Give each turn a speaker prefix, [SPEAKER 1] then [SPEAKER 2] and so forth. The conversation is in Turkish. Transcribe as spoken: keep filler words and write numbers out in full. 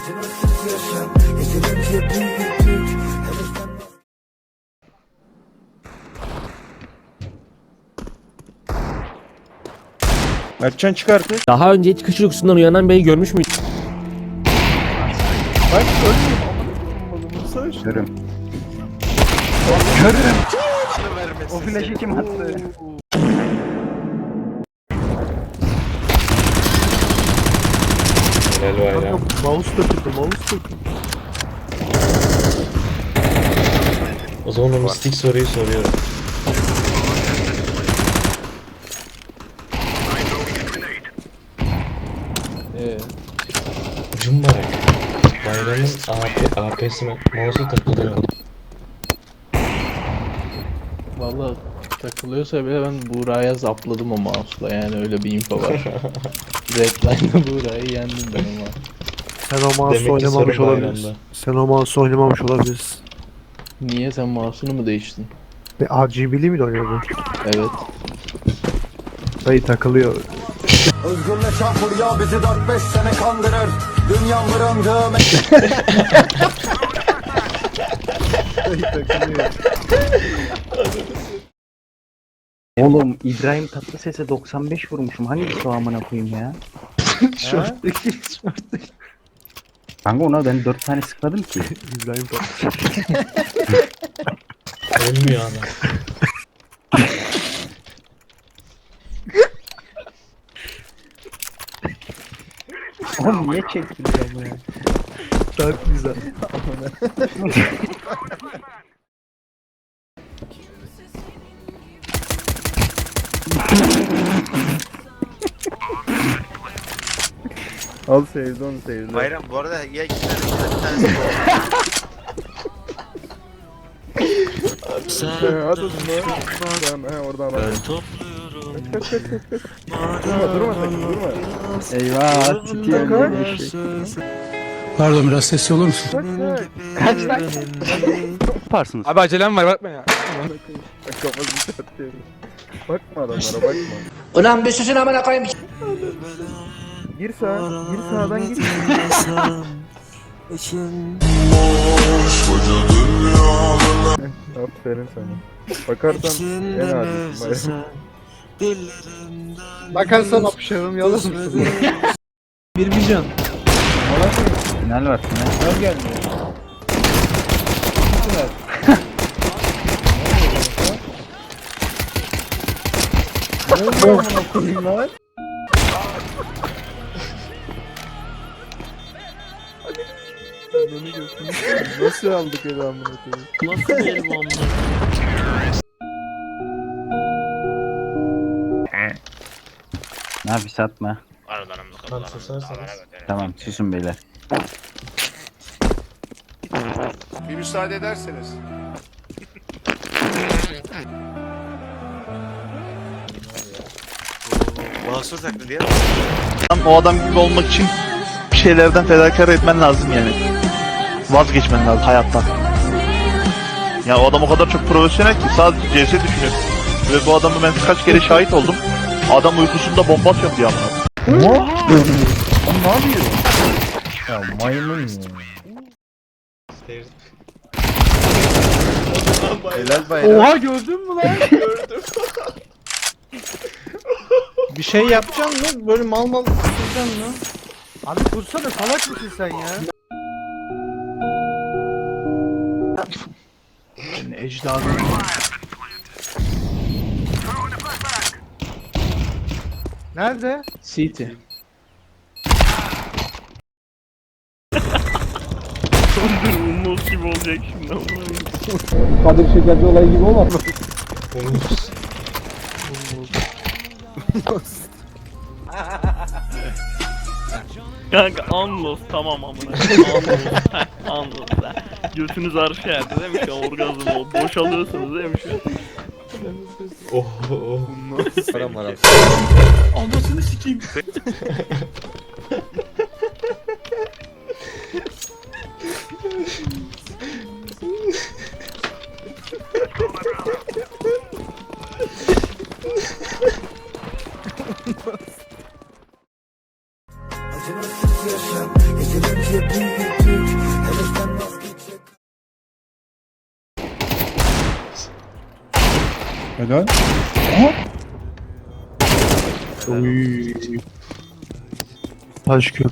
[SPEAKER 1] Mertcan çıkartır.
[SPEAKER 2] Daha önce hiç kış uykusundan uyanan beyi görmüş müydün?
[SPEAKER 1] Bak ölmüyorum.
[SPEAKER 3] Görüm. Görüm. O flaşı kim attı?
[SPEAKER 4] Helal var ya.
[SPEAKER 1] Mouse takıldı, mouse takıldı.
[SPEAKER 4] O zaman o mistik soruyu soruyorum.
[SPEAKER 1] Eee?
[SPEAKER 4] Cumbarak. Bayramın A P, A P'sine mouse'u takılıyor.
[SPEAKER 5] Valla takılıyorsa bile ben Buğra'ya zapladım o mouse'la, yani öyle bir info var. Redline'da Buğra'yı yendim ben ama.
[SPEAKER 1] Sen o mouse
[SPEAKER 4] Demek ki
[SPEAKER 1] oynamamış
[SPEAKER 4] sorun
[SPEAKER 1] olabilirsin.
[SPEAKER 4] bayramda.
[SPEAKER 1] Sen o mouse oynamamış olabilirsin.
[SPEAKER 5] Niye, sen mouse'unu mu değiştin?
[SPEAKER 1] Ve R G B'li mi oynuyordun?
[SPEAKER 5] Evet.
[SPEAKER 1] Dayı takılıyor.
[SPEAKER 6] Özgürle çarpılıyor bizi dört beş sene kandırır. Dünya mırındı.
[SPEAKER 1] Dayı takılıyor.
[SPEAKER 3] Oğlum İbrahim Tatlıses'e doksan beş vurmuşum. Hangisi o amına koyayım ya?
[SPEAKER 1] Şorttaki, şorttaki.
[SPEAKER 3] Kanka ona ben dört tane sıkmadım ki.
[SPEAKER 1] İbrahim Tatlıses.
[SPEAKER 4] Ölmüyor adam.
[SPEAKER 3] Oğlum niye çektin ya?
[SPEAKER 1] Çok güzel. Al sevdi onu sevdi.
[SPEAKER 7] Bayram bu arada ya iki tane bir tanesi bu.
[SPEAKER 1] Sen hadi durma. Sen he oradan al. Ben topluyorum. Kaç kaç kaç kaç. Durma durma sakın durma.
[SPEAKER 3] Eyvah, titiyor eşek.
[SPEAKER 8] Pardon, biraz sesli olur musun?
[SPEAKER 1] Kaç kaç.
[SPEAKER 3] Kaç lan? Yaparsınız.
[SPEAKER 8] Abi acelem var, bakma ya.
[SPEAKER 1] Kafasını çatıyorum. Bakma adamlara bakma.
[SPEAKER 6] Ulan bir susun amına koyayım.
[SPEAKER 1] Gir sağa. Gir sağdan gir. Aferin sana. Bakarsan en adisin bayram.
[SPEAKER 8] Bakarsan apışarım, yalnız mısın?
[SPEAKER 5] Bir vizyon.
[SPEAKER 3] Final var final.
[SPEAKER 5] Al gelmiyor.
[SPEAKER 1] Ne oldu amına koyayım lan? Beni götürmüş. Nasıl aldık öyle amına koyayım?
[SPEAKER 5] Nasıl benim amına?
[SPEAKER 3] Nafis atma.
[SPEAKER 4] Tam susarsanız.
[SPEAKER 3] Tamam susun beyler.
[SPEAKER 7] Bir müsaade ederseniz. Mahsur taklidi ya.
[SPEAKER 9] O adam gibi olmak için bir şeylerden fedakar etmen lazım yani. Vazgeçmen lazım hayattan. Ya o adam o kadar çok profesyonel ki sadece C S düşünüyor. Ve bu adamı ben kaç kere şahit oldum. Adam uykusunda bomba atıyor diye amına.
[SPEAKER 1] Ya maymun ya.
[SPEAKER 7] Helal bayram.
[SPEAKER 5] Oha, gördün mü lan? Gördüm. Bir şey yapacaksın mı? Böyle mal mal tutacaksın mı?
[SPEAKER 1] Abi kursana salak mısın sen ya?
[SPEAKER 5] Yani ecdadım.
[SPEAKER 1] Nerede?
[SPEAKER 5] City.
[SPEAKER 1] Kadir Şekerci olayı gibi olmaz mı?
[SPEAKER 4] Umut.
[SPEAKER 10] Kanka Anlos tamam amına. Anlos ha. Götünüz arşa erdi değil mi şu an, orgazm o. Boşalıyorsunuz değil mi şu an?
[SPEAKER 4] Oh oh.
[SPEAKER 1] Param var abi.
[SPEAKER 10] Anasını sikeyim.
[SPEAKER 6] Acımasız yaşam, geceleri
[SPEAKER 8] Helal.
[SPEAKER 9] Taş köprü.